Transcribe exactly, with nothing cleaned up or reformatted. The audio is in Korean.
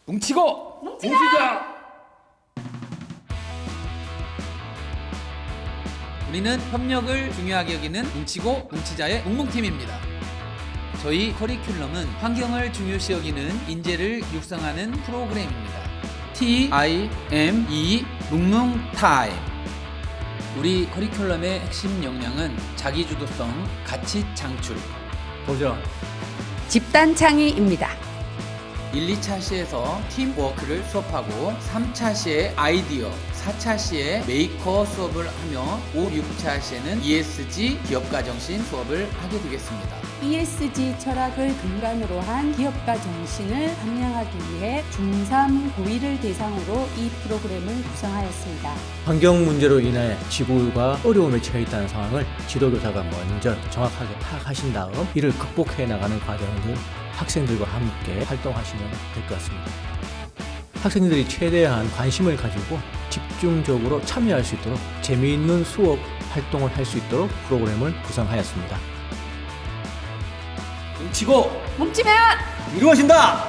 뭉치고 뭉치자! 뭉치자. 우리는 협력을 중요하게 여기는 뭉치고 뭉치자의 뭉뭉팀입니다. 저희 커리큘럼은 환경을 중요시 여기는 인재를 육성하는 프로그램입니다. 티 아이 엠 이 뭉뭉 타임. 우리 커리큘럼의 핵심 역량은 자기주도성, 가치 창출, 도전. 집단 창의입니다. 일, 이 차 시에서 팀워크를 수업하고 삼 차 시에 아이디어, 사 차 시에 메이커 수업을 하며 오, 육 차 시에는 이 에스 지 기업가 정신 수업을 하게 되겠습니다. 이 에스 지 철학을 근간으로 한 기업가 정신을 함양하기 위해 중삼, 고이를 대상으로 이 프로그램을 구성하였습니다. 환경 문제로 인해 지구가 어려움에 처해 있다는 상황을 지도교사가 먼저 정확하게 파악하신 다음 이를 극복해 나가는 과정을 학생들과 함께 활동하시면 될 것 같습니다. 학생들이 최대한 관심을 가지고 집중적으로 참여할 수 있도록 재미있는 수업 활동을 할 수 있도록 프로그램을 구성하였습니다. 뭉치고 뭉치면 이루어진다!